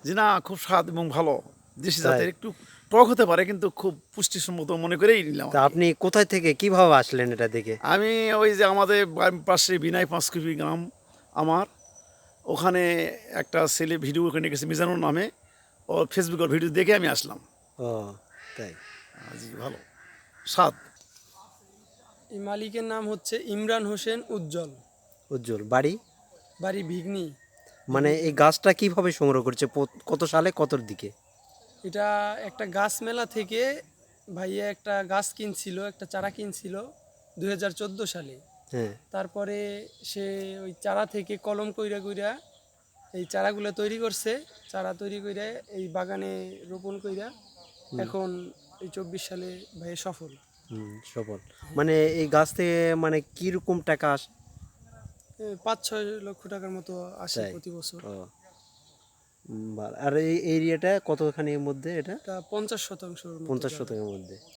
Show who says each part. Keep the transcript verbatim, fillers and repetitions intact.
Speaker 1: জি না, খুব স্বাদ এবং ভালো। দেশি
Speaker 2: তাই?
Speaker 1: জাতের একটু টক হতে পারে কিন্তু খুব পুষ্টিসম্মত মনে করেই নিলাম
Speaker 2: তা
Speaker 1: আরকি।
Speaker 2: আপনি কোথায় থেকে কিভাবে আসলেন এটা দেখে?
Speaker 1: আমি ওই যে আমাদের বা পাশে বিনাই পাঁচকুপি গ্রাম আমার, ওখানে একটা ছেলে ভিডিও ওখানে গেছে মিজানুর নামে, ওর ফেসবুকের ভিডিও দেখে আমি আসলাম।
Speaker 2: ও তাই।
Speaker 1: আ জি ভালো, স্বাদ।
Speaker 3: এই মালিকের নাম হচ্ছে ইমরান হোসেন উজ্জ্বল,
Speaker 2: উজ্জ্বল বাড়ি?
Speaker 3: বাড়ি ভিগনি।
Speaker 2: মানে
Speaker 3: ভিগনি
Speaker 2: এই
Speaker 3: থানা।
Speaker 2: গাছটা কিভাবে সংগ্রহ করছে? পোত- কত সালে কতর দিকে?
Speaker 3: এটা একটা গাছ মেলা থেকে ভাইয়া একটা গাছ কিনছিল, একটা চারা কিনছিল দুই হাজার চোদ্দো সালে।
Speaker 2: হ্যাঁ।
Speaker 3: তারপরে সে ওই চারা থেকে কলম কইরা কইরা এই চারাগুলো তৈরি করছে। চারা তৈরি কইরা এই বাগানে রোপণ কইরা এখন এই চব্বিশ সালে ভাইয়া সফল।
Speaker 2: হুম, সফল। মানে এই গাছ থেকে মানে কিরকম টাকা আসে?
Speaker 3: এ পাঁচ ছয় লক্ষ টাকার মতো আসে
Speaker 2: তাই।
Speaker 3: প্রতি বছর।
Speaker 2: ও উম, ভালো। আর এই এরিয়াটা কতখানির মধ্যে এটা?
Speaker 3: এটা পঞ্চাশ শতাংশের মতো
Speaker 2: পঞ্চাশ
Speaker 3: জায়গা।
Speaker 2: শতকের মধ্যে।